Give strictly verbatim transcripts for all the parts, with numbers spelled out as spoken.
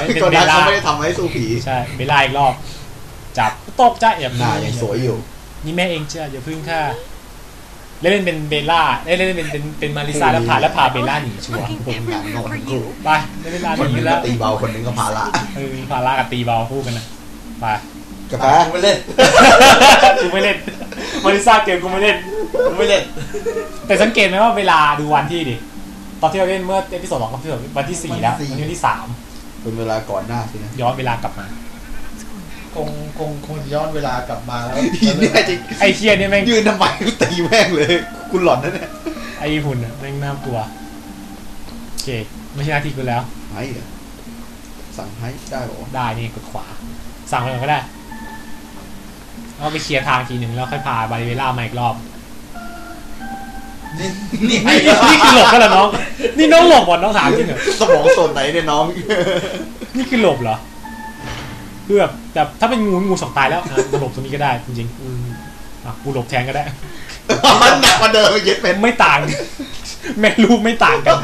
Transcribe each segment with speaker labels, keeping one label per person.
Speaker 1: เป็นเบลล่าเขาไม่ได้ทำให้สู้ผี
Speaker 2: ใช่เบลล่าอีกรอบจับตกใจอย่า
Speaker 1: หน้ายังสวยอยู่
Speaker 2: นี่แม่เองเชื่ออย่าพึ่งค่ะเล่นเป็นเบลล่าเล่นเล่นเป็นเป็นเป็นมาริซาแล้วพาแล้วพาเบลล่าหนีชัวร์
Speaker 1: ผมงานงอนทั้งคู่
Speaker 2: ไปเล่นเวลาห
Speaker 1: นี
Speaker 2: แล้ว
Speaker 1: ตีเบาคนนึงก็พาละ
Speaker 2: เออพาละกับตีเบาคู่กันนะไป
Speaker 1: กาแฟกูไม่เล่น
Speaker 2: กูไม่เล่นมาริซาเกมกูไม่เล่น
Speaker 1: กูไม่เล่น
Speaker 2: แต่สังเกตไหมว่าเวลาดูวันที่ดิตอนที่เราเล่นเมื่อเอพิโซดสองกับเอพิโซดวันที่สี่แล้ววันที่สาม
Speaker 1: เป็นเวลาก่อนหน้าสินะ
Speaker 2: ย้อนเวลากลับมา
Speaker 3: คงคงคงย้อนเวลากลับมาแล้ว
Speaker 2: ไอ้เคียนี่แม่ง
Speaker 1: ยืนทำไมกูตีแม่งเลยกูหลอนนะเนี่ย
Speaker 2: ไอ้หุ่นแม่งน่ากลัวโอเคไม่ใช่หน้าที่กูแล้ว
Speaker 1: ให้สั่งให้ได้หรอ
Speaker 2: ได้นี่กดขวาสั่งเลยก็ได้เอาไปเคลียร์ทางทีหนึ่งแล้วค่อยพาบาริเวล่ามาอีกรอบ
Speaker 1: นี่
Speaker 2: นี่นี่คือหลบกันเหรอน้องนี่น้องหลบหมดน้องถามจริงเหรอ
Speaker 1: สมองส่วนไหนเนี่ยน้อง
Speaker 2: นี่คือหลบเหรอเพื่อแต่ถ้าเป็นงูงูสองตายแล้วหลบตรงนี้ก็ได้จริงๆอ่ะกูหลบแทนก็ได้
Speaker 1: มันหนักกว่าเดิมเย็ดเป็น
Speaker 2: ไม่ต่างแม่ลูกไม่ต่างกัน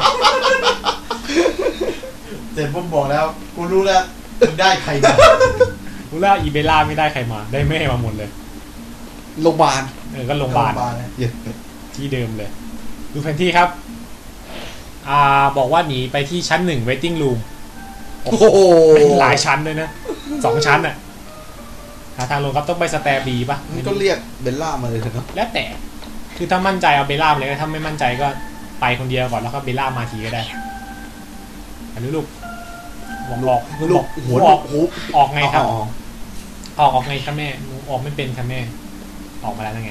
Speaker 3: เสร็จผมบอกแล้วกูรู้แล้วมึงได้ใครมา
Speaker 2: รู้แล้วอีเบล่าไม่ได้ใครมาได้แม่มาหมดเลย
Speaker 1: โรงพยาบาล
Speaker 2: เออก็โรงพยาบาลที่เดิมเลยดูแผนที่ครับอ่าบอกว่าหนีไปที่ชั้นหนึ่ง waiting room
Speaker 1: โอ้โห
Speaker 2: หลายชั้นเลยนะสองชั้นอ่ะหาทางลงครับต้องไปสแตร์บีป่ะ
Speaker 1: มันก็เรียกเบลล่ามาเลยเถอะ
Speaker 2: แล้วแต่คือถ้ามั่นใจเอาเบลล่าเลยถ้าไม่มั่นใจก็ไปคนเดียวก่อนแล้วก็เบลล่ามาทีก็ได้อันนี้ลูกวงหลอก
Speaker 1: ลูกหัว
Speaker 2: ออกออกไงครับออกออกไงครับแม่ออกไม่เป็นครับแม่ออกมาแล้วไง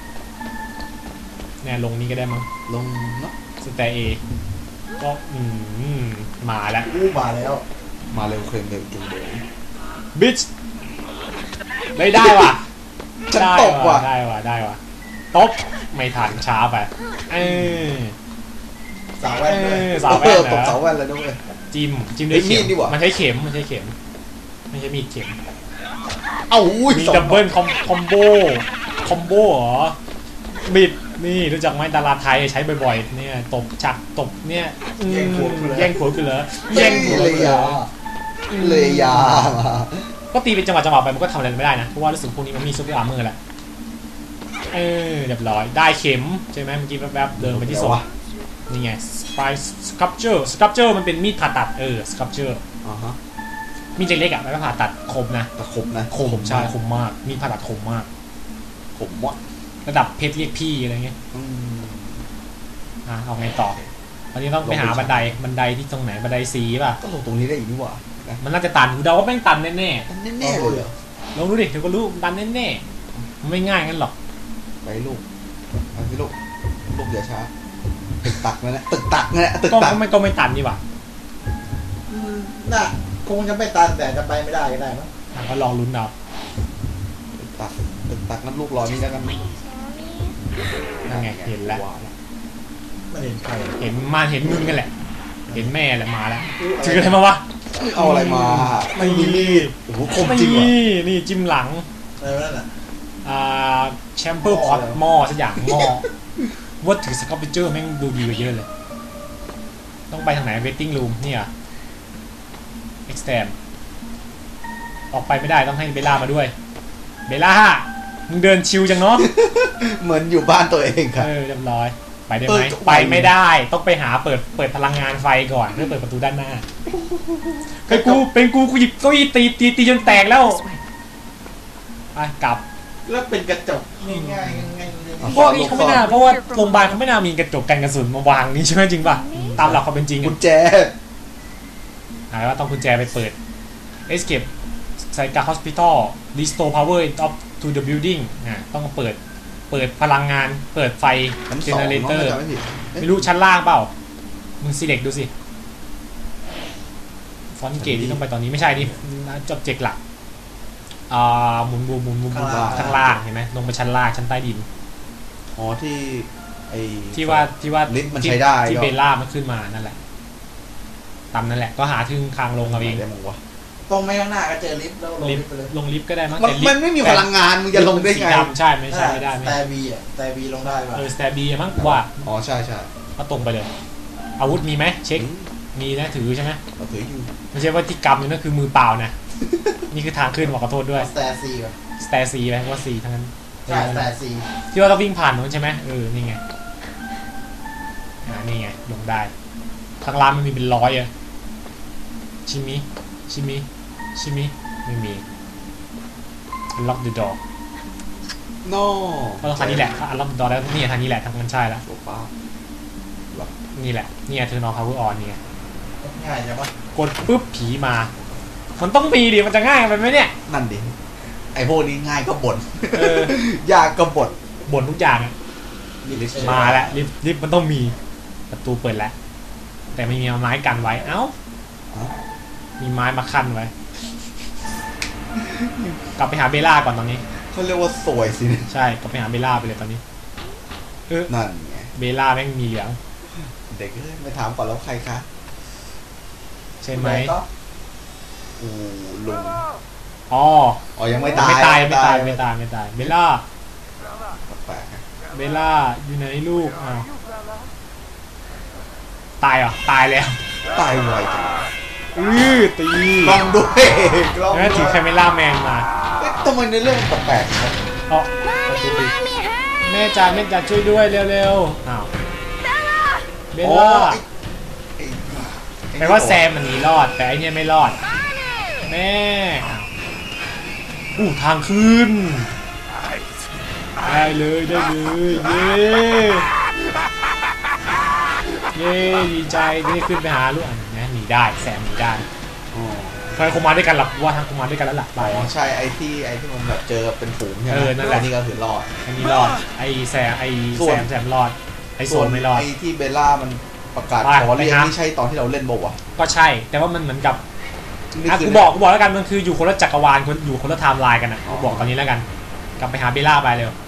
Speaker 2: เนี่ยลงนี้ก็ได้มั้ง
Speaker 1: ลงเนาะ
Speaker 2: สแตร์เอก็อืมมาแล้ว
Speaker 3: อู้มาแล้ว
Speaker 1: มาเร็วเคลมเร็วจริงเลย
Speaker 2: บิชได้ได้ว่ะ
Speaker 1: ได้ว่ะ
Speaker 2: ได้ว่ะได้ว่ะตบไม่ทันช้าไปเออ
Speaker 3: สาวแว่น
Speaker 2: สาวแว่น
Speaker 1: ตบสาวแว่นเลยด้วย
Speaker 2: จิ้มจิ้มด้วยเข็มมันใช้เข็มมันใช้เข็มไม่ใช่มีดเข็ม
Speaker 1: เอ้า
Speaker 2: มีดับเบิลคอมคอมโบคอมโบเหรอบิดนี่รู้จักไหมดาราไทยใช้บ่อยๆเนี่ยตบจักตบเนี่ย
Speaker 3: แย่งผัว
Speaker 2: แย่งผัวกันเหรอ
Speaker 1: แย่งผัวเลยยาเลยยา
Speaker 2: ก็ตีเป็นจังหวะจังหวะไปมันก็ทำอะไรไม่ได้นะเพราะว่ารู้สึกพวกนี้มันมีซุปเปอร์อาร์เมอร์แหละเออเรียบร้อยได้เข็มใช่ไหมเมื่อกี้แวบๆเดินไปที่ศพนี่ไงสไปซ์สครับเจอร์สครับเจอร์มันเป็นมีดผ่าตัดเออสครับเจอร์
Speaker 1: อ่าฮะ
Speaker 2: มีดเล็กๆอ่ะแล้วก็ผ่าตัดคมนะ
Speaker 1: แต่คมนะ
Speaker 2: คมใช่คมมากมีดผ่าตัดคมมาก
Speaker 1: คมวะ
Speaker 2: ระดับเพชรเรียกพี่อะไรเงี้ยอ่ะเอาไงต่อตอนนี้ต้องไปหาบันไดบันไดที่ตรงไหนบันไดสีป่ะ
Speaker 1: ก็ลงตรงนี้ได้อีกนี่หว่า
Speaker 2: มันน่าจะตันกูเดาว่าแม่งตันแน่แน่
Speaker 1: แน่เลย
Speaker 2: ลองดูดิเดี๋ยวก็รู้ตันแน่แน่ไม่ง่ายงั้นหรอก
Speaker 1: ไปลูกไปสิลูกลูกอย่าช้าตึกตักนั่นแหละตึกตักนั่นแหละตึกตัก
Speaker 2: ก็ไม่ก็ไม่ตันนี่หว่า
Speaker 3: น่ะคงจะไม่ตันแต่จะไปไม่ได้ก็ได้มั้ง
Speaker 2: ก็ลองลุ้นเอา
Speaker 1: ตึกตักตึกตักนั่นลูกรอนี่แล้วกัน
Speaker 2: นั่นไงเห็นแล้ว
Speaker 3: ไม่เห็นใคร
Speaker 2: เห็นมาเห็นมึงกันแหละเห็นแม่แหละมาแล้วถืออะไรมาวะ
Speaker 1: เอาอะไรมา
Speaker 2: ไม่มี
Speaker 1: โอ้โหคมจริงว่ะ
Speaker 2: นี่จิ้มหลัง
Speaker 3: อะไรนั่นน่ะ
Speaker 2: อ่าแชมเปอร์พอตหม้อสักอย่างหม้อว่าถือสกอปเปอร์แม่งดูดีกว่าเยอะเลยต้องไปทางไหน waiting room นี่อ่ะ extend ออกไปไม่ได้ต้องให้เบลล่ามาด้วยเบลล่ามึงเดินชิวจังเนาะ
Speaker 1: เหมือนอยู่บ้านตัวเองครับ
Speaker 2: เออเรียบร้อยไปได้ไหมไปไม่ได้ต้องไปหาเปิดเปิดพลังงานไฟก่อนเพื่อเปิดประตูด้านหน้าเป็นกูเป็นกูกูหยิบเก้าอี้ตีตีตีจนแตกแล้วไปกลับ
Speaker 3: แล้วเป็นกระจกง่ายง่ายง่าย
Speaker 2: เพราะเขาไม่น่าเพราะว่าโรงพยาบาลเขาไม่น่ามีกระจกกันกระสุนมาวางนี่ใช่ไหมจริงป่ะตามหลักความเป็นจริง
Speaker 1: กุญแจ
Speaker 2: หายว่าต้องกุญแจไปเปิด escape ไซกา hospital restore power up to the building นะต้องเปิดเปิดพลังงานเปิดไฟเจเนเรเตอร์ไม่รู้ชั้นล่างเปล่ามึง select ดูสิฟอนต์เกตที่ต้องไปตอนนี้ไม่ใช่นี่จอบเจกหลักอ่าหมุนบูมหมุนบูมข้างล่างเห็นไหมลงไปชั้นล่างชั้นใต้ดิน
Speaker 1: อ๋อที่ไอ
Speaker 2: ที่ว่าที่ว่า
Speaker 1: ลิฟต์มันใช้ได้
Speaker 2: ที่เบลล่ามันขึ้นมานั่นแหละตามนั่นแหละก็หาทึ่งคางลงเอาเอง
Speaker 1: ได้มั้งวะ
Speaker 3: ตรงไม่ข้างหน้าก็เจอลิฟต์แล้วลงลิฟต์ไปเลย
Speaker 2: ลงลิฟต์ก็ได้มั้ง
Speaker 1: แต่มันไม่มีพลังงานมึงจะลงได้ไง
Speaker 2: ใช่ไม่ใช่ไม่ได้
Speaker 3: สแตร์บีอ่ะสแตร์บีลงได้ป่ะ
Speaker 2: เออสแตร์บีมั้งว่า
Speaker 1: อ๋อใช่ใช่
Speaker 2: ก็ตรงไปเลยอาวุธมีไหมเช็คมีนะถือใช่ไหม
Speaker 1: เราถืออยู่
Speaker 2: ไม่ใช่ว่าที่กำอยู่นั่นคือมือเปล่านะ นี่คือทางขึ้นขอโทษด้วย
Speaker 3: สแตร์ซีก่อน
Speaker 2: สเตซีไหมว่าซีทั้งนั้น
Speaker 3: ใช่สแตร์ซี
Speaker 2: ที่ว่าต้องวิ่งผ่านนู้นใช่ไหมเออนี่ไงอ่านี่ไงลงได้ทางร้านมันมีเป็นร้อยอะชิมิชิมิชิมิไม่มี lock the door
Speaker 1: โน่
Speaker 2: ก็ต้องทางนี้แหละ unlock the door แล้วนี่ทางนี้แหละทางมันใช่แล้ว
Speaker 1: โซฟา
Speaker 2: นี่แหละนี่ไงเธอนอน power on นี่ไง
Speaker 3: ง่ายจังวะ
Speaker 2: กดปุ๊บผีมา มันต้องมีดิมันจะง่ายไปไหมเนี่ย
Speaker 1: นั่นดิไอพวกนี้ง่ายก็บ่น
Speaker 2: เออ
Speaker 1: ยากก็บ่น
Speaker 2: บ่นทุกอย่างอะ
Speaker 1: นี่ลิสต์
Speaker 2: มาแล้วลิฟต์ลิฟต์มันต้องมีประตูเปิดแล้วแต่ไม่มีไม้กันไว้เอ้า มีไม้มาขั้นไว้ กลับไปหาเบลล่าก่อนตอนนี้
Speaker 1: เขาเรียกว่าสวยสินะ
Speaker 2: ใช่กลับไปหาเบลล่าไปเลยตอนนี้เออ
Speaker 1: นั่นไง
Speaker 2: เบลล่าแม่งมีเหลือง
Speaker 1: เด็กเอ้ยไม่ถามก่อนแล้วใครคะ
Speaker 2: ใช่ไหม
Speaker 1: ก็อูลุง
Speaker 2: อ๋อ
Speaker 1: อ๋อยังไม่ตาย
Speaker 2: ไม่ตายไม่ตายไม่ตายไม่ตายเบลล่า
Speaker 1: แปลกๆนะ
Speaker 2: เบลล่าอยู่ไหนลูกอ้าวตายเหรอตายแล้ว
Speaker 1: ตายไวจัง
Speaker 2: อือตี
Speaker 1: กล้องด้วยกล้อง
Speaker 2: แล้ว
Speaker 1: ด้
Speaker 2: ถือ
Speaker 1: วย
Speaker 2: แคมเมล่าแมนมา
Speaker 1: เอ๊ะทำไมในเรื่องมันแปลกๆครับ
Speaker 2: อ๋อประตูปิดแม่จ๋าแม่จ๋าช่วยด้วยเร็วๆอ้าวเบล
Speaker 1: อ๋อ
Speaker 2: ล่า
Speaker 1: ไอ้ไอ้
Speaker 2: แปลว่าแซมมันหนีรอดแต่ไอเนี่ยไม่รอดแม่อ้าวอู้ทางขึ้นได้เลยได้เลยเย้เย้ดีใจที่ได้ขึ้นไปหาลูกอันนี้หนีได้แซมหนีได้
Speaker 1: อ๋อ
Speaker 2: ทำไมคงมาด้วยกันหรอว่าทางคงมาด้วยกันแล้วล่ะไป
Speaker 1: อ๋อใช่ไอ้ที่ไอ้ที่มันแบบเจอเป็นฝูงใช่ไหม
Speaker 2: เออนั่นแหละ
Speaker 1: นี่ก็คือรอด
Speaker 2: อันนี้รอดไอแซมไอ
Speaker 1: ส่
Speaker 2: แซ
Speaker 1: วน
Speaker 2: มแซมรอดไอโซนไม่รอด
Speaker 1: ไอ้ที่เบลล่ามันประกาศ
Speaker 2: ไป
Speaker 1: ขอเรียน
Speaker 2: ไปหา
Speaker 1: นี่ใช่ตอนที่เราเล่นบ่าวะ
Speaker 2: ก็ใช่ แต่ว่ามันเหมือนกับ
Speaker 1: นี่
Speaker 2: อ่ะ
Speaker 1: คื
Speaker 2: กูบอกกูบอกแล้วกันมันคืออยู่คนละจักรวาลคนอยู่คนละไทม์ไลน์กันอ่ะกูบอกตอนนี้แล้วกัน กลับไปหาเบลล่าไปเร็ว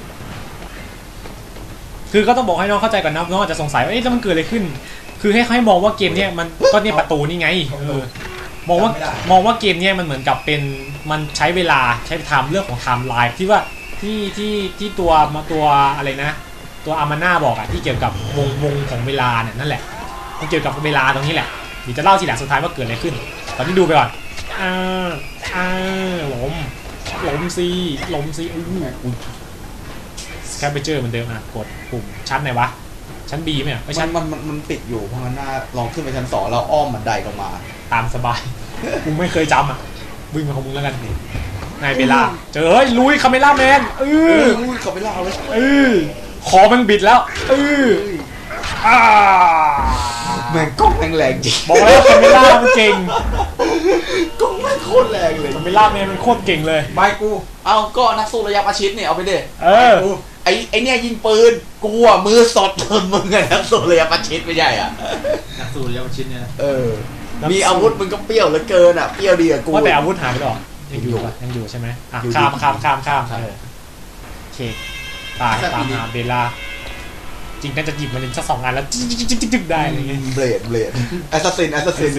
Speaker 2: คือก็ต้องบอกให้น้องเข้าใจก่อนนะน้องอาจจะสงสัยว่าเอ๊ะแล้วมันเกิดอะไรขึ้น คือให้ให้มองว่าเกมเนี้ยมันก็เนี่ยประตูนี่ไงเออมองว่ามองว่าเกมเนี้ยมันเหมือนกับเป็นมันใช้เวลาใช้ไทม์เรื่องของไทม์ไลน์ที่ว่าที่ที่ที่ตัวมาตัวอะไรนะ ตัวอามาน่าบอกอะที่เกี่ยวกับวงวงของเวลาเนี่ยนั่นแหละมันเกี่ยวกับเวลาตรงนี้แหละเดี๋ยวจะเล่าทีหลังสุดท้ายว่าเกิดอะไรขึ้น ตอนนี้ดูไปก่อนอ่าอ่าล้มล้มซีล้มซีอู้หูสแคปเปเจอร์เหมือนเดิมอ่ะกดปุ่มชั้นไหนวะชั้น B ไหมอ่ะไม่
Speaker 1: มั
Speaker 2: ชั้
Speaker 1: น
Speaker 2: น
Speaker 1: มันมันมันปิดอยู่เพราะงั้นน่าลองขึ้นไปชั้นสองแล้วอ้อมบันไดลงมา
Speaker 2: ตามสบาย มึงไม่เคยจำอ่ะวิ่งมาของมึงแล้วกันนายเบลล่าเจอเฮ้ยลุยคาเมล่าแมนเอ
Speaker 1: เอ
Speaker 2: อ
Speaker 1: อเขาไปเล่าเลย
Speaker 2: เออคอมันบิดแล้วเอออ่า
Speaker 1: แม่งกล้องแม่งแรงจริง
Speaker 2: บอกแล้วคาเมล่ามันเก่ง
Speaker 1: กล้องแม่งโคตรแรงเลย
Speaker 2: คาเมล่าแมนมันโคตรเก่งเลย
Speaker 3: ใบกู
Speaker 1: เอาก็นักสู้ระยะประชิดเนี่ยเอาไปเด็
Speaker 2: เออ
Speaker 1: ไอ้ไอ้เนี่ยยิงปืนกูอ่ะมือสดมึงมึงไงนักสู้ระยะประชิดไม่ใช่อ่ะ
Speaker 3: นักสู้ระยะประชิดเนี่ยนะ
Speaker 1: เออ มีอาวุธมึงก็เปรี้ยวเหลือเกินอ่ะเปรี้ยวดีกับกู
Speaker 2: ว่าแต่อาวุธหายไปหรอยังอยู่ปะยังอยู่ใช่ไหมอ่ะ
Speaker 1: อยู่
Speaker 2: ข้าม
Speaker 1: อยู่
Speaker 2: ข้ามข้ามข้าม
Speaker 1: ครับ
Speaker 2: เออโอเคตายตามหาเบลล่าจริงน่าจะหยิบมันสักสองอันแล้วจิ๊กจิ๊กจิ๊กจิ๊กได้อะไรเงี้ย
Speaker 1: เบลดเบลดแอสซัสซินแอสซัสซิน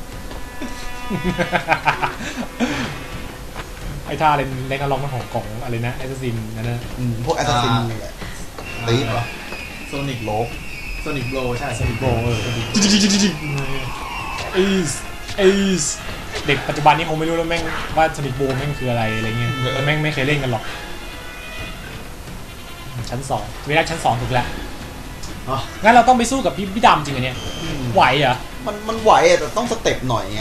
Speaker 2: ไอ้ท่าเล่นเล่นอารมณ์ของของอะไรนะไอซ์ซินนั่นนะ
Speaker 1: พวกแอสซัสซินนี่แหละตีปะ
Speaker 3: โซนิก
Speaker 1: โลก
Speaker 3: โซนิกโบใช่
Speaker 2: สนิโบเออจิ๊กจิ๊กจิ๊กจิ๊กเอสเอสเด็กปัจจุบันนี้คงไม่รู้แล้วแม่งว่าสนิโบแม่งคืออะไรอะไรเงี้ยแล้วแม่งไม่เคยเล่นกันหรอกชั้นสองเวลาชั้นสองถูกแล้วงั้นเราต้องไปสู้กับพี่พี่ดำจริงเหรอเนี่ยไหวเหรอ
Speaker 1: มันมันไหวอะแต่ต้องสเต็ปหน่อยไง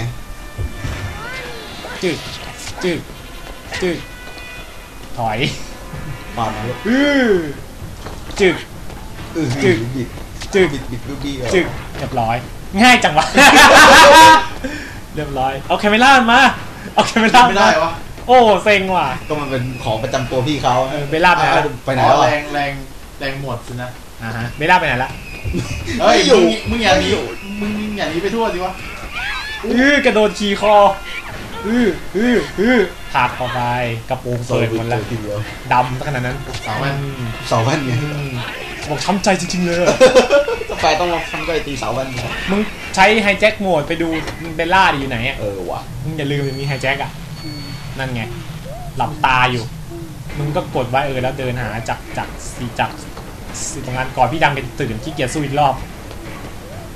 Speaker 2: จึกจึกจึกถอย
Speaker 1: มาแล้ว
Speaker 2: อือจึก
Speaker 1: อือ
Speaker 2: จึ๊ก
Speaker 1: บิด
Speaker 2: จึก
Speaker 1: บิดบิดบิดบิด
Speaker 2: จึกเรียบร้อย ง่ายจังวะ เรียบร้อยเอาแคมเมล่ามาเอาแคมเมล่า
Speaker 3: ไม่ได้วะ
Speaker 2: โอ้เซ็งว่ะ
Speaker 1: ก็มันเป็นของประจำตัวพี่เขา
Speaker 2: เออเบลล่าไปไหนละ
Speaker 1: ไปไหน
Speaker 3: อ๋อ
Speaker 1: แล้ว
Speaker 3: แร
Speaker 1: อะ
Speaker 3: งแรงแรงหมดสินะ
Speaker 2: อ่าฮะเบลล่าไปไหนละ
Speaker 3: เฮ้ย
Speaker 1: ไม่อยู่
Speaker 3: มึงมึงอย่าหนี
Speaker 1: ไม่อยู่
Speaker 3: มึงอย่าหนีไปทั่วสิวะ
Speaker 2: อื้อกระโดดขี่คออื้ออื้ออื้อผลักเข้าไปกระโปรงเปิดหมดแล้ว
Speaker 1: ทีเดียว
Speaker 2: ดำขนาดนั้น
Speaker 3: สาวแว่น
Speaker 2: อืม
Speaker 1: เสาแว่นไง
Speaker 2: อืมบอกช้ำใจจริงๆเลยอะ
Speaker 1: กาแฟต้องมาทำก็ไอตีเสาแว่นไง
Speaker 2: มึงใช้ไฮแจ็คโหมดไปดูเบลล่าดิอยู่ไหนอ่ะ
Speaker 1: เออว่ะ
Speaker 2: มึงอย่าลืมมีไฮแจ็คอ่ะนั่นไงหลับตาอยู่ มึงก็กดไว้เออแล้วเดินหาจากจากสีจากสีตรงนั้นก่อนพี่ดำจะตื่นขี้เกียจสู้อีกรอบ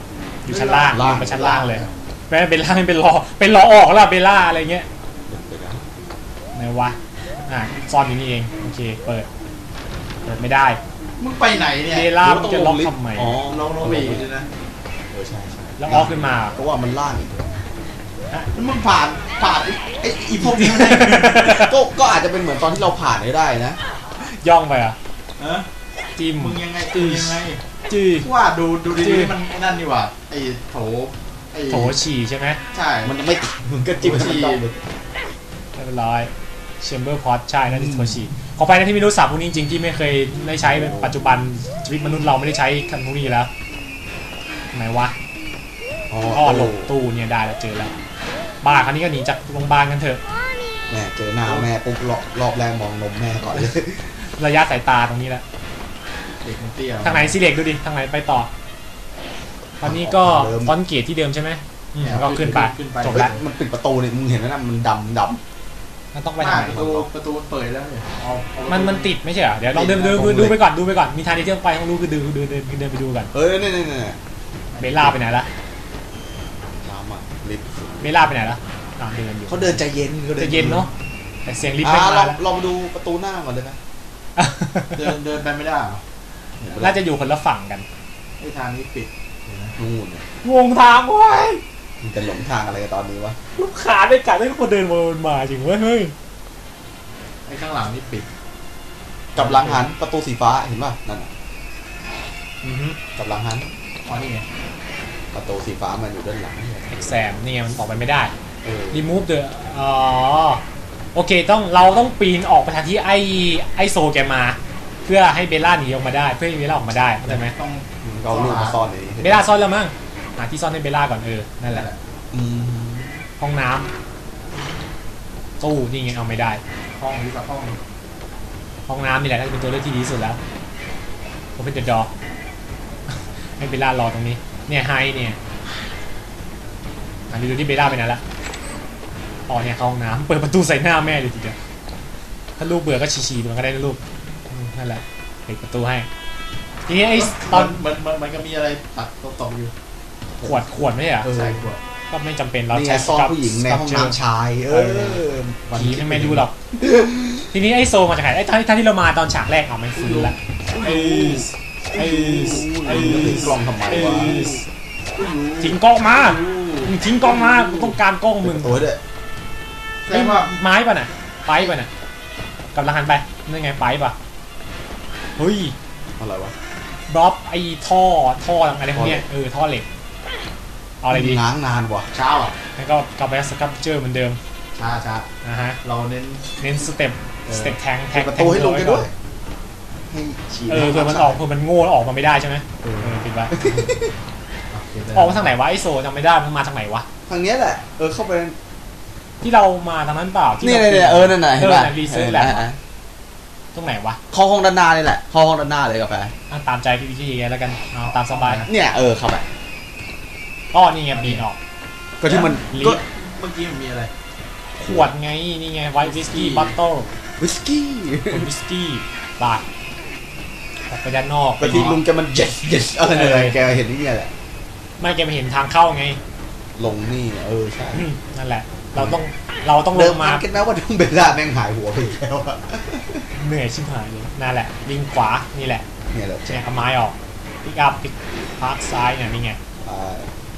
Speaker 2: อยู่ชั้นล่าง
Speaker 1: ล่าง
Speaker 2: ไปชั้นล่างเลยแม่เป็นล่างเป็นรอเป็นรอออกแล้วเบลล่าอะไรเงี้ย
Speaker 1: เดี๋ยวนะ
Speaker 2: ไหนวะอ่ะซ่อนอยู่นี่เองโอเคเปิดเปิดไม่ได้
Speaker 3: มึงไปไหนเนี่ย
Speaker 2: เบลล่ามันจะล็อกทำไม
Speaker 1: อ๋อ
Speaker 3: ลงลงไปอีกเลยนะ
Speaker 1: เออใช่ใช่
Speaker 2: แล้วออกขึ้นมา
Speaker 1: ก็ว่ามันล่างอีก
Speaker 3: แล้วมึงผ่านผ่านไอ้ไอ้อีพวกนี้ไม่ได้
Speaker 1: ก็ก็อาจจะเป็นเหมือนตอนที่เราผ่านได้นะ
Speaker 2: ย่องไปอ่ะ
Speaker 3: เออ
Speaker 2: จิ้ม
Speaker 3: มึงยังไงตียังไง
Speaker 2: จี้
Speaker 3: ว่าดูดู
Speaker 2: จริ
Speaker 3: ดี
Speaker 2: ง
Speaker 3: ๆมันไอ้นั่นนี่หว่าไอ้โถไอ้
Speaker 2: โถฉี่ใช่ไหม
Speaker 3: ใช่
Speaker 1: มันยังไม่ติดมึงก็จิ้มให้มันต้องเลย
Speaker 2: เรียบร้อยแชมเบอร์พอตใช่นั่นคือโถฉี่ขอไปนะที่ไม่รู้ศัพท์พวกนี้จริงๆที่ไม่เคยได้ใช้เป็นปัจจุบันชีวิตมนุษย์เราไม่ได้ใช้คำพวกนี้แล้วไหนวะ
Speaker 1: อ๋อ
Speaker 2: อ้อหลบตู้เนี่ยได้แล้วเจอแล้วบ้าคราวนี้ก็หนีจากโรงพยาบาลกันเถอะ
Speaker 1: แม่เจอหน้าแม่ปุ๊บรอบรอบแรกมองนมแม่ก่อนเลย
Speaker 2: ระยะสายตาตรงนี้แหละ
Speaker 3: เด็กมันเตี้ย
Speaker 2: ทางไหนซีเล็กดูดิทางไหนไปต่อตอนนี้ก็ฟอนต์เกตที่เดิมใช่ไหมอืมก็ขึ้นไปจบ
Speaker 1: เฮ้ย
Speaker 2: แล้ว
Speaker 1: มันปิดประตูนี่มึงเห็นไหมนะมันดำด
Speaker 2: มันต้อง
Speaker 3: ไป
Speaker 2: ไปทางไหน
Speaker 3: ประตูประตูเปิดแล้วเนี่ยเอาเอา
Speaker 2: มันมันติดไม่ใช่เหรอเดี๋ยวลองเดินดูดูดูไปก่อนดูไปก่อนมีทางที่เที่ยวไปต้องรู้คือดูดูเดินเดินไปดูก่อน
Speaker 1: ำเอ้ยนี่นี่นี่
Speaker 2: เบลล่าไปไหนละ
Speaker 1: น้ำอ่ะลิฟต์
Speaker 2: เบลล่าไปไหนละอ่าเดินอยู่
Speaker 1: เขาเดินใจเย็นเขา
Speaker 2: จะเย็นเนาะแต่เสียงลิฟต์
Speaker 1: อ่า
Speaker 2: ไม่
Speaker 1: ล
Speaker 2: มา
Speaker 1: อง
Speaker 2: แล้ว
Speaker 1: ลองมาดูประตูหน้าก่อนเลยไหม
Speaker 3: เดินเดินไปไม่ได้เหรอ
Speaker 2: น่าจะอยู่คนละฝั่งกัน
Speaker 3: ไอ้ทางนี้ปิดเห็นไหม
Speaker 1: นู่นเนี่ย
Speaker 2: งงทางเว้ย
Speaker 1: มึงจะหลงทางอะไรกันตอนนี้วะ
Speaker 2: ลูกขาได้กัดได้คนเดินวนมาจริงเว้ยเฮ้ย
Speaker 3: ไอ้ข้างหลังนี่ปิด
Speaker 1: กับหลังหันประตูสีฟ้าเห็นป่ะนั่นน่ะ
Speaker 2: อือฮึ
Speaker 1: กับหลังหัน
Speaker 3: อ๋อนี่ไง
Speaker 1: ประตูสีฟ้ามันอยู่ด้านหลังเนี่ย
Speaker 2: เอ็กแซมนี่ไงมันออกไปไม่ได้
Speaker 1: เออ
Speaker 2: remove the อ๋อโอเคต้องเราต้องปีนออกไปทางที่ไอไอโซแกมา เพื่อให้เบลล่าหนีออกมาได้เพื่อให้เบลล่าออกมาได้เข้าใจไหม
Speaker 3: ต้อง
Speaker 1: มึงก็เอาลูกมาซ่อนในนี้
Speaker 2: เบลล่าซ่อนแล้วมั้งหาที่ซ่อนให้เบลล่าก่อนเออนั่นแหละ
Speaker 1: อืม
Speaker 2: ห้องน้ำตู้นี่ไงเอาไม่ได้
Speaker 3: ห้องนี้กับห้อง
Speaker 2: ห้องน้ำนี่แหละน่าจะเป็นตัวเลือกที่ดีที่สุดแล้วผมเป็นเดอะดอ ให้เบลล่ารอตรงนี้เนี่ยไฮเนี่ยอันนี้ดูที่เบลล่าไปไหนละอ๋อเนี่ยเข้าห้องน้ำเปิดประตูใส่หน้าแม่เลยทีเดียวถ้าลูกเบื่อก็ฉี่ๆมันก็ได้นะลูกอืมนั่นแหละปิดประตูให้ทีนี้ไอ้ตอน
Speaker 3: มันมันมันก็มีอะไรตัดตกๆอยู่
Speaker 2: ขวดขวดไม่ใช่เหรอ
Speaker 1: เออ
Speaker 3: ใส่ขวด
Speaker 2: ก็ไม่จำเป็นเรา
Speaker 1: นี่ไง
Speaker 2: ใช้
Speaker 1: ซ่อน
Speaker 2: กับ
Speaker 1: ผู้หญิงในห้อง
Speaker 2: กับ
Speaker 1: น้ำชาย เออวัน
Speaker 2: ผีไม่ไม่รู้หรอก ทีนี้ไอ้โซมาจากไหนไอ้ท่านท่านที่เรามาตอนฉากแรกเอาไม่ฟื้นละไอ้ไอ้ไอ้
Speaker 1: ถึงกล้องทำไมวะ
Speaker 2: ทิ้งกล้องมามึงทิ้งกล้องมากูต้องการกล้องมึง
Speaker 1: ตัวด้วย
Speaker 3: แสดงว่า
Speaker 2: ไม้ป่ะน่ะไปป่ะน่ะกำลังหันไปนั่นไงไปป่ะเฮ้ย
Speaker 1: อะไรวะ
Speaker 2: บล็อบไอ้ท่อท่ออะไรพวกเนี้ยเออท่อเหล็กเอาอะไรดี
Speaker 1: ง้างนานว่ะ
Speaker 3: เช้าอ่ะ
Speaker 2: แล้วก็กลับไปสครับเจอร์เหมือนเดิม
Speaker 3: ช้าช้า
Speaker 2: นะฮะ
Speaker 3: เราเน้น
Speaker 2: เน้นสเต็ปสเต็ปแทงแท
Speaker 1: เปิด
Speaker 2: ง
Speaker 1: ประตูให้ลงกันด้วยให้ฉีด
Speaker 2: เออเผื่อมันออกเผื่อมันโง่แล้วออกมาไม่ได้ใช่ไหมเออคิดว่า ออกมาทางไหนวะไอโซจำไม่ได้มันมาทางไหนวะ
Speaker 1: ทางเนี้ยแหละ เออเข้าไป
Speaker 2: ที่เรามาทางนั้นเปล่าที่
Speaker 1: นี่
Speaker 2: รา
Speaker 1: เนี่ยเออนั่นน่ะเห็นป่ะ
Speaker 2: เออรีเซิร์ชแหละตรงไหนวะ
Speaker 1: เข้าห้องด้านหน้านี่แหละเข้าห้องด้านหน้าเลยกาแฟ
Speaker 2: อ่ะตามใจพี่วิธีแล้วกันเอาตามสบาย
Speaker 1: เนี่ยเออเข้าไป
Speaker 2: อ้อนี่ไงบีนออก
Speaker 1: ก็ที่มัน
Speaker 2: ลิ
Speaker 1: ก็
Speaker 2: ฟต์
Speaker 3: เมื่อกี้มันมีอะไร
Speaker 2: ขวดไงนี่ไงไวท์วิสกี้บัตเตอร์
Speaker 1: วิสกี้
Speaker 2: วิสกี้บาร์ออกไปด้านนอก
Speaker 1: ก็ที่ลุงแกมันเจ็ดเจ็ดอะไรเลยแกเห็นนี่แหละ
Speaker 2: ไม่แกไปเห็นทางเข้าไง
Speaker 1: ลงนี่เออใช่
Speaker 2: อืมนั่นแหละ เราต้องเราต้องล
Speaker 1: เดิ
Speaker 2: ง
Speaker 1: ม
Speaker 2: มา
Speaker 1: มาคิดไหมว่าทุ่งเบลล่าแม่งหายหัวไปอีกแล้วอะ
Speaker 2: เหนื่อยชิบหายเลยนั่นแหละลิงขวานี่แหละ
Speaker 1: เนี่ยแหละ
Speaker 2: เนี่ยเอาไม้ออกพิกอัพพิกพาร์คซ้ายเนี่ยนี่ไง
Speaker 1: อ่า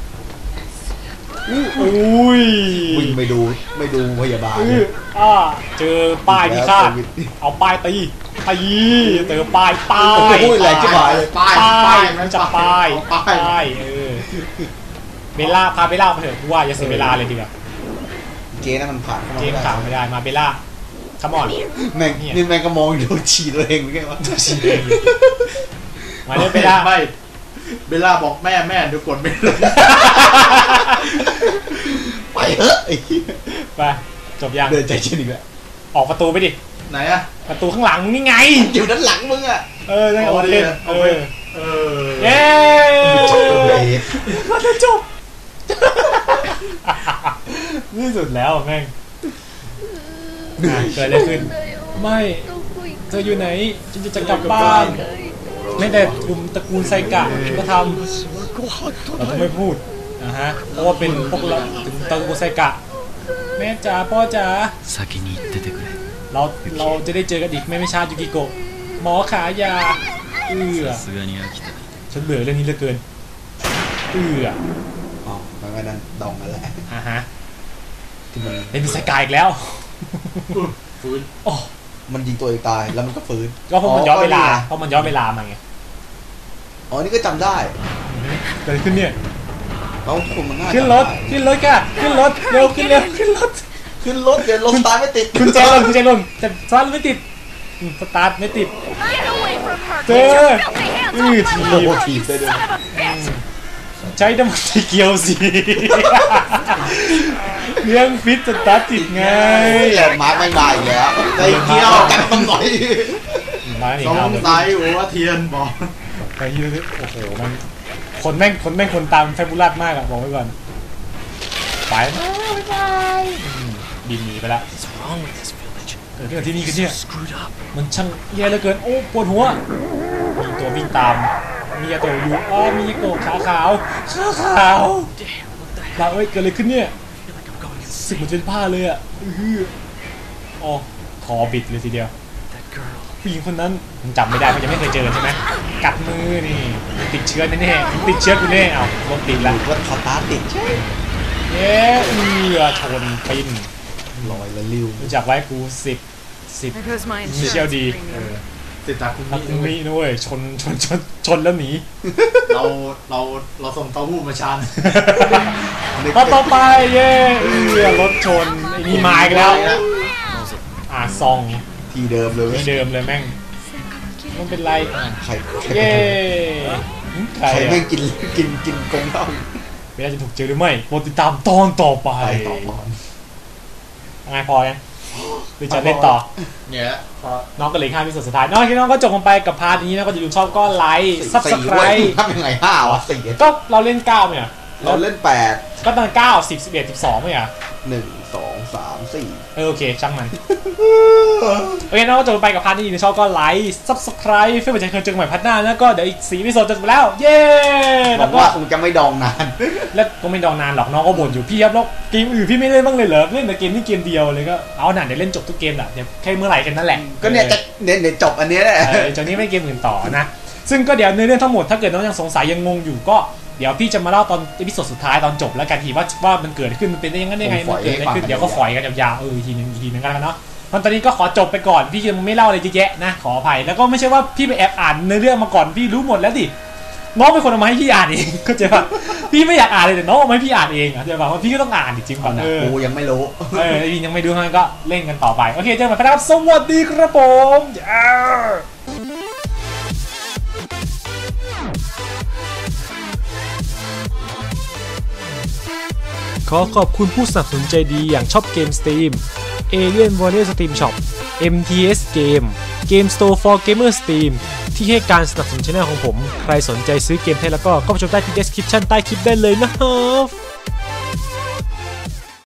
Speaker 2: อุ้ย
Speaker 1: วิ่งไปดูไม่ดูพยาบาล
Speaker 2: อื้ออ่าเจอป้ายพิฆาตเอาป้ายตีตีเจอป้ายป้าย
Speaker 1: โอ้ยแรงจิ๋วหายเลย
Speaker 3: ป้าย
Speaker 2: ป้า
Speaker 3: ป้าย
Speaker 2: ยมันจะป้าย
Speaker 3: ป้าย
Speaker 2: ป้ายเออเบลล่าพาเบลล่ามาเถอะกูว่าอย่าเสียเวลาเลยดีกว่า
Speaker 1: เกนั่นมันผ่านเข้ามา
Speaker 2: เกม
Speaker 1: ไม่
Speaker 2: ขาว
Speaker 1: ได้
Speaker 2: ไม่ได้มาเบลล่าคัมออน
Speaker 1: แม่งนี่แม่งก็มองอยู่ฉี่ตัวเองไม่ใช่วะ
Speaker 2: ฉีดเองมาเลยเบลล่า
Speaker 3: ไม่เบลล่าบอกแม่แม่เดี๋ยวกดไม่ลง
Speaker 1: ไปเถอะไอ้เหี้ย
Speaker 2: ไปจบยัง
Speaker 1: เดินใจเย็นอีกแล้ว
Speaker 2: ออกประตูไปดิ
Speaker 3: ไหนอะ
Speaker 2: ประตูข้างหลังนี่ไง
Speaker 1: อยู่ด้านหลังมึงอะ
Speaker 2: เออได้ออกเล่นเออ
Speaker 3: เออ
Speaker 2: เย้ ก็จะจบนี่สุดแล้วแม่งอ่ะเกิดอะไรขึ้น ไม่เธออยู่ไหนฉันจะจะกลับบ้าน ไม่แต่กลุ่มตระกูลไซกะก็ทเราต้องไม่พูดนะฮะเพราะว่าเป็นพวกเราถึงตะกุไซกะแม่จ๋าพ่อจ๋าเราเราจะได้เจอกันอีกไม่ไม่ช้ายูกิโกะหมอขายาเอื้อฉันเบื่อเรื่องนี้เหลือเกินเอื้อ
Speaker 1: อ๋อมันก็นั่นดองนั่นแหละ
Speaker 2: อ่าฮะ
Speaker 1: ที่มัน
Speaker 2: เป็นไซกะอีกแล้ว
Speaker 3: ฟื้น
Speaker 2: โอ้
Speaker 1: มันยิงตัวเองตายแล้วมันก็ฟื้น
Speaker 2: ก็เพราะมันย้อนเวลาเพราะมันย้อนเวลามาไง
Speaker 1: อ๋อนี่ก็จำได้
Speaker 2: เกิดขึ้นเนี่ย
Speaker 1: เราคุมมันง่าย
Speaker 2: ขึ้นรถขึ้นรถค่ะขึ้นรถเร็วขึ้นเร็วขึ้นรถ
Speaker 1: ขึ้นรถเดี๋ยวลงสตาร์ทไม่ติด
Speaker 2: คุณแจลงคุณแจลงแต่สตาร์ทไม่ติดสตาร์ทไม่ติดเจออือที
Speaker 1: โบทีได้ด้วย
Speaker 2: ใช้น้ำมันเกียวสิเรื่องฟิตสตาร์ทติดไง
Speaker 1: แหลมมาร์กไม่มาอีกแล้วไอ้เกียวกันต้องหน่อย
Speaker 3: สงสัยหัวเทียนบอก
Speaker 2: ไปยืดโอ้โหมันคนแม่งคนแม่งคนตามแฟบูลัสมากอะบอกไว้ก่อนไปไปบินหนีไปละเกิดขึ้นที่นี่กันเนี่ยมันช่างแย่เหลือเกินโอ้ปวดหัวมีตัววิ่งตามมีตัวอยู่อ๋อมีโกขาขาวขาขาวเราเอ้ยเกิดอะไรขึ้นเนี่ยสึกเหมือนเป็นผ้าเลยอะอ๋อคอบิดเลยทีเดียวผู้หญิงคนนั้นมันจำไม่ได้เพราะยังไม่เคยเจอใช่ไหมกัดมือนี่ติดเชื้อแน่ๆติดเชื้อกูแน่เอาลงติดละ
Speaker 1: ว่าคอตาติดใช่
Speaker 2: เย้เอือชนปิน
Speaker 1: ลอยละลิ้ว
Speaker 2: รู้จักไว้กูสิบสิบมิเชลดี
Speaker 3: สิบตาคุ
Speaker 2: มิมิด้วยชนชนชนชนแล้วหนี
Speaker 3: เราเราเราส่งเต้าหู้มาชาน
Speaker 2: พอต่อไปเย้เอือรถชนไอ้นี่มาอีกแล้วอ่าซอง
Speaker 1: ทีเดิมเลย
Speaker 2: ทีเดิมเลยแม่งมันเป็นไร
Speaker 1: ใคร
Speaker 2: เย้
Speaker 1: ใครแม่งกินกินกินกงเต้า
Speaker 2: เวลาจะถูกเจอหรือไม่โปรดติดตามตอนต่อไปไงพอยังหรือจะเล่นต่อ
Speaker 3: เนี่ย
Speaker 2: น้องก็เลยห้าพิเศษสุดท้ายน้องที่น้องก็จบลงไปกับพาร์ทนี้นะก็จะดูชอบก็ไลค์ซับสไครต์
Speaker 1: ทำยังไงห้าวะสี่
Speaker 2: ก็เราเล่นเก้าเนี่ย
Speaker 1: เราเล่นแปด
Speaker 2: ก็ตอนเก้าสิบสิบเอ็ดสิบสองไม่อ่ะ
Speaker 1: หนึ่งสองสามสี่
Speaker 2: เออโอเคช่างมันโอเคน้องก็จบไปกับพาร์ทนี้นะชอบก็ไลค์ซับสไครต์เพื่อเป็นใจเคยเจอกันใหม่พาร์ทหน้าแล้วก็เดี๋ยวอีกสี่พิเศษจะจบแล้วเย้
Speaker 1: แล้วก็คงจะไม่ดองนาน
Speaker 2: แล้วก็ไม่ดองนานหรอกน้องก็บ่นอยู่พี่ครับแล้วเกมอื่นพี่ไม่เล่นบ้างเลยเหรอเล่นแต่เกมนี้เกมเดียวเลยก็เอาหน่าเดี๋ยวเล่นจบทุกเกมแหละเดี๋ยวแค่เมื่อไหร่กันนั่นแหละ
Speaker 1: ก็เนี่ยจะเนี่ยจบอันนี้แหละ
Speaker 2: จากนี้ไม่เกมอื่นต่อนะซึ่งก็เดี๋ยวในเรื่องทั้งหมดถ้าเกิดน้องยังสงสัยยังงงอยู่ก็เดี๋ยวพี่จะมาเล่าตอนอีพิโซดสุดท้ายตอนจบแล้วกันทีว่าว่ามันเกิดขึ้นมันเป็นได้ยังไงได้ไงมันเกิดอะไรขึ้นเดี๋ยวก็ฝอยกันยาวๆเออทีนึงทีนึงกันแล้วเนาะตอนนี้ก็ขอจบไปก่อนพี่ยังไม่เล่าอะไรเยอะแยะนะขออภัยแล้วก็ไม่ใช่ว่าพี่ไปแอบอ่านในเรื่องมาก่อนพี่รู้หมดแล้วดิน้องเป็นคนเอามาให้พี่อ่านเองก็จะว่าพี่ไม่อยากอ่านเลยแต่น้องเอามาให้พี่อ่านเองอ่ะจะบอกว่าพี่ก็ต้องอ่านจริงๆก่อน
Speaker 1: นะกูยังไม่รู้
Speaker 2: เออพี่ยังไม่รู้งั้นก็เล่นกันต่อไปโอเคเจอกันใหม่ครับสวัสดีครับผมขอขอบคุณผู้สนับสนุนใจดีอย่างช็อปเกมสตรีม Alien Warrior Steam Shop เอ็ม ที เอส Game Game Store for Gamer Steam ที่ให้การสนับสนุนช่องของผมใครสนใจซื้อเกมไทยแล้วก็เข้าไปชมได้ที่ description ใต้คลิปได้เลยนะครับ